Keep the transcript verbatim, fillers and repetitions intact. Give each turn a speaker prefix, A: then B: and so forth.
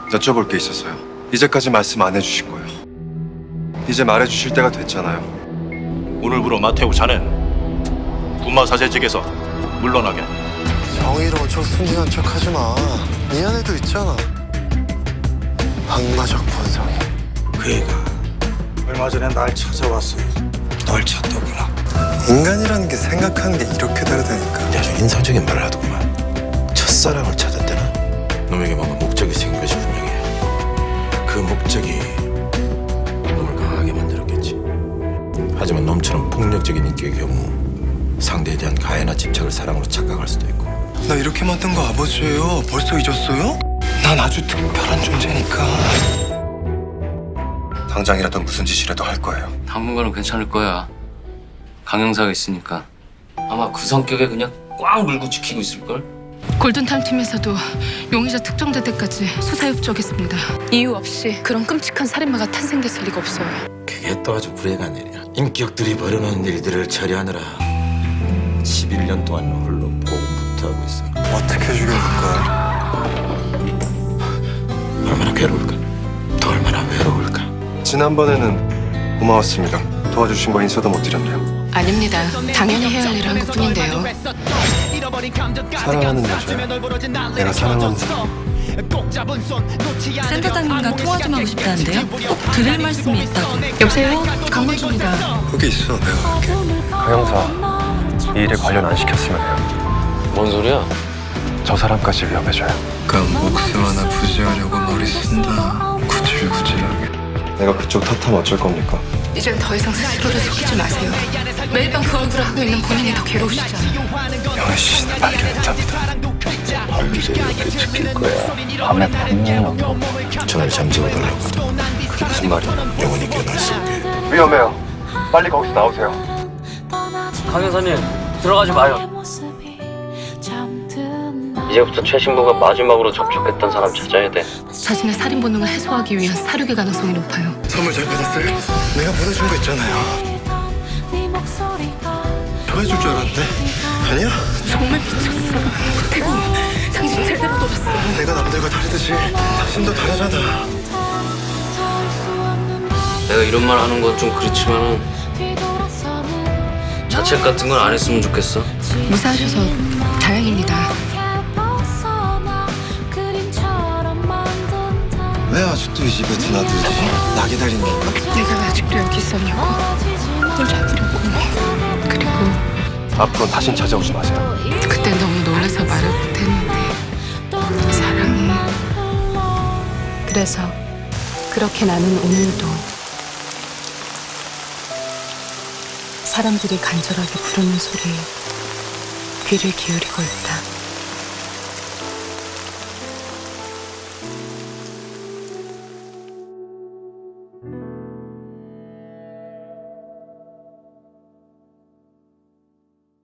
A: 여쭤볼 게 있었어요. 이제까지 말씀 안 해주신 거예요. 이제 말해주실 때가 됐잖아요.
B: 오늘부로 마테우 자넨 분마사제직에서 물러나게.
C: 정의로운 척 순진한 척 하지 마. 네 안에도 있잖아. 악마적 본성이.
D: 그 애가 얼마 전에 날 찾아왔어. 널 찾더구나.
C: 인간이라는 게 생각하는 게 이렇게 다르다니까.
D: 아주 인상적인 말을 하더구만. 첫사랑을 찾았대나? 놈에게 뭔가 목적이 생긴 것이 분명해. 그 목적이 놈을 강하게 만들었겠지. 하지만 놈처럼 폭력적인 인격의 경우 상대에 대한 가해나 집착을 사랑으로 착각할 수도 있고.
C: 나 이렇게 만든 거 아버지예요. 벌써 잊었어요? 난 아주 특별한 존재니까.
A: 당장이라도 무슨 짓이라도 할 거예요.
E: 당분간은 괜찮을 거야. 강형사가 있으니까. 아마 그 성격에 그냥 꽉 물고 지키고 있을걸?
F: 골든타임 팀에서도 용의자 특정될 때까지 수사 협조하겠습니다. 이유 없이 그런 끔찍한 살인마가 탄생됐을 리가 없어요.
D: 그게 또 아주 불행한 일이야. 인격들이 벌여놓은 일들을 처리하느라 십일 년 동안 홀로 고군분투하고 있어.
C: 어떻게 죽여줄까?
D: 얼마나 괴로울까? 또 얼마나 외로울까?
A: 지난번에는 고마웠습니다. 도와주신 거 인사도 못 드렸네요.
F: 아닙니다. 당연히 해야 할 일을 한 것뿐인데요.
A: 사랑하는 여자야. 내가 사랑하는 사람.
G: 센터장님과 통화 좀 하고 싶다는데요? 꼭 드릴 말씀이 있다고.
F: 여보세요? 강문주입니다.
C: 거기 있어. 내가 갈게.
A: 강형사, 이 일에 관련 안 시켰으면 해요.
E: 뭔 소리야?
A: 저 사람까지 위협해줘요.
C: 그럼 목숨 하나 부지하려고 머리 쓴다. 구질구질하게.
A: 내가 그쪽 탓하면 어쩔 겁니까?
F: 이젠 더 이상 스스로를 속이지 마세요. 매일 밤 그 얼굴을 하고 있는 본인이 더 괴로우시잖아요.
C: 영애 씨는 발견했답니다.
D: 밤새 이렇게 지킬 거야. 밤에 분명히 저를 잠재워 달라고 하더군.
A: 그게 무슨 말이야?
D: 영원히 깨어날 수 없게.
A: 위험해요. 빨리 거기서 나오세요.
E: 강형사님 들어가지 마요. 이제부터 최 신부가 마지막으로 접촉했던 사람 찾아야 돼.
F: 자신의 살인 본능을 해소하기 위한 사륙의 가능성이 높아요.
C: 선물 잘 받았어요? 내가 보내준 거 있잖아요. 좋아해줄 줄 알았는데 아니야?
F: 정말 미쳤어. 대구, 당신 제대로 놀았어.
C: 내가 남들과 다르듯이 당신도 다르잖아.
E: 내가 이런 말 하는 건 좀 그렇지만은 자책 같은 건 안 했으면 좋겠어.
F: 무사하셔서 다행입니다.
C: 왜 아직도 이 집에 드나들지? 나 기다린 건가?
F: 내가 왜 아직도 여기 있었냐고. 널 잡으려고. 그리고
A: 앞으로는 다신 찾아오지 마세요.
F: 그때 너무 놀라서 말을 못했는데 사랑해. 그래서 그렇게 나는 오늘도 사람들이 간절하게 부르는 소리에 귀를 기울이고 있다.